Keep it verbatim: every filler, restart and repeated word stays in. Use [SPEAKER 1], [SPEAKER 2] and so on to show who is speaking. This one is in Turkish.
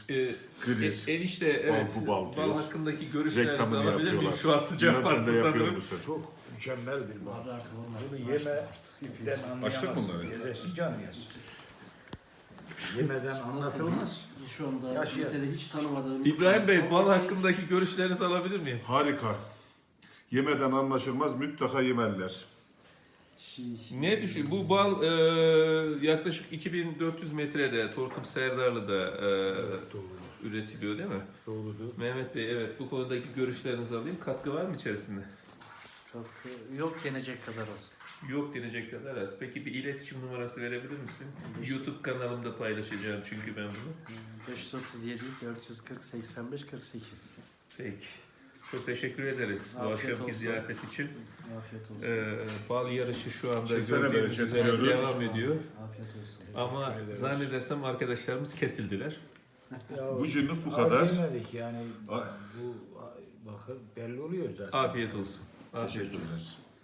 [SPEAKER 1] e,
[SPEAKER 2] Grir.
[SPEAKER 1] e, enişte evet,
[SPEAKER 2] Bal bu bal
[SPEAKER 1] bal
[SPEAKER 2] diyoruz.
[SPEAKER 1] hakkındaki görüşlerinizi
[SPEAKER 2] Reklamını
[SPEAKER 1] alabilir miyim?
[SPEAKER 2] yapıyorlar.
[SPEAKER 1] Şu an sıcak
[SPEAKER 2] Bilmem sen de
[SPEAKER 1] pasta
[SPEAKER 2] yapıyor
[SPEAKER 1] sanırım.
[SPEAKER 2] musun?
[SPEAKER 3] Çok mükemmel bir bal.
[SPEAKER 4] Abi artık olmaz.
[SPEAKER 3] Bunu yemeden
[SPEAKER 2] Açtık
[SPEAKER 3] anlayamazsın.
[SPEAKER 2] bunları.
[SPEAKER 3] Gezesi can yesin. Yemeden anlatılmaz.
[SPEAKER 4] Şu anda
[SPEAKER 3] Yaşayan.
[SPEAKER 4] mesele hiç tanımadığımız...
[SPEAKER 1] İbrahim Bey, bal hakkındaki görüşlerinizi alabilir miyim?
[SPEAKER 2] Harika. Yemeden anlaşılmaz, mutlaka yemerler.
[SPEAKER 4] Şi- şi-
[SPEAKER 1] Ne düşün? Bu bal e, yaklaşık iki bin dört yüz metrede Tortum Serdarlı'da e,
[SPEAKER 3] Doğrudur.
[SPEAKER 1] üretiliyor değil mi?
[SPEAKER 3] Doğrudur.
[SPEAKER 1] Mehmet Bey, evet, bu konudaki görüşlerinizi alayım. Katkı var mı içerisinde?
[SPEAKER 4] Katkı yok denecek kadar az.
[SPEAKER 1] Yok denecek kadar az. Peki bir iletişim numarası verebilir misin? YouTube kanalımda paylaşacağım çünkü ben bunu.
[SPEAKER 4] beş yüz otuz yedi dört yüz kırk seksen beş kırk sekiz.
[SPEAKER 1] Peki. Çok teşekkür ederiz bu
[SPEAKER 4] Afiyet
[SPEAKER 1] akşamki
[SPEAKER 4] olsun.
[SPEAKER 1] ziyafet için.
[SPEAKER 4] Afiyet olsun.
[SPEAKER 1] Ee, bal yarışı şu anda
[SPEAKER 2] Kesene
[SPEAKER 1] gördüğünüz
[SPEAKER 2] bereket
[SPEAKER 1] üzere
[SPEAKER 2] diliyoruz.
[SPEAKER 1] devam ediyor.
[SPEAKER 4] Afiyet olsun.
[SPEAKER 1] Ama
[SPEAKER 3] Teşekkür ederiz.
[SPEAKER 1] zannedersem arkadaşlarımız kesildiler.
[SPEAKER 3] Ya,
[SPEAKER 2] Bu günlük bu
[SPEAKER 3] az
[SPEAKER 2] kadar.
[SPEAKER 3] yemedik yani.
[SPEAKER 2] Ay.
[SPEAKER 3] Bu bakın belli oluyor zaten.
[SPEAKER 1] Afiyet olsun. Afiyet olsun.
[SPEAKER 2] Teşekkürler.